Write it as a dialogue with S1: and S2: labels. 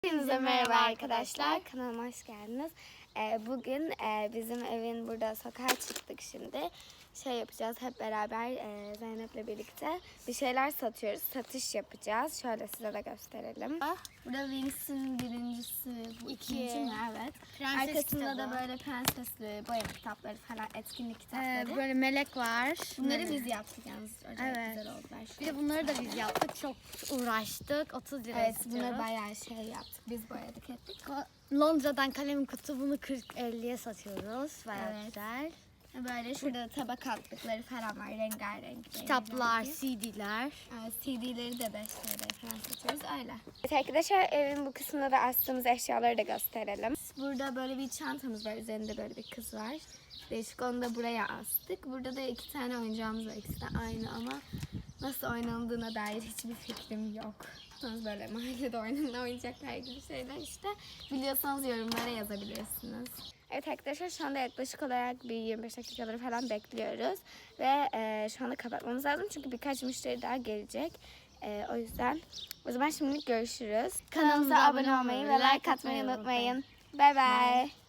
S1: Hepinize merhaba arkadaşlar. Kanalıma hoş geldiniz. Bugün bizim evin burada sokağa çıktık şimdi. Şey yapacağız hep beraber Zeynep'le birlikte bir şeyler satıyoruz. Satış yapacağız. Şöyle size de gösterelim. Burada Wings'in birincisi, bu ikinci mi? Evet.
S2: Prenses
S1: Arkasında
S2: kitabı.
S1: da böyle prensesli boyama kitapları falan, etkinlik kitapları.
S2: Böyle melek var.
S1: Bunları biz yaptık yalnız. Acayip
S2: Evet.
S1: güzel oldular.
S2: Bir de bunları da biz yaptık. Çok uğraştık. 30 lira
S1: Evet,
S2: istiyoruz.
S1: bunları bayağı şey yaptık. Biz boyadık ettik.
S2: Londra'dan kalem kutu, bunu 40-50'ye satıyoruz. Bayağı
S1: Evet.
S2: güzel.
S1: Böyle şurada tabak altlıkları falan var, rengarenk.
S2: Kitaplar,
S1: rengarenk.
S2: CD'ler.
S1: CD'leri de 5 TL falan satıyoruz öyle. Evet arkadaşlar, evin bu kısmında da astığımız eşyaları da gösterelim. Burada böyle bir çantamız var, üzerinde böyle bir kız var. Değişik, onu da buraya astık. Burada da 2 tane oyuncağımız var, ikisi de aynı ama nasıl oynandığına dair hiçbir fikrim yok. Böyle mahallede oynanan oyuncaklar gibi şeyler işte. Biliyorsanız yorumlara yazabilirsiniz. Evet arkadaşlar, şu anda yaklaşık olarak bir 25 dakikaları falan bekliyoruz. Ve şu anda kapatmamız lazım çünkü birkaç müşteri daha gelecek. O yüzden o zaman şimdilik görüşürüz. Kanalımıza abone olmayı ve like atmayı unutmayın. Bye bye.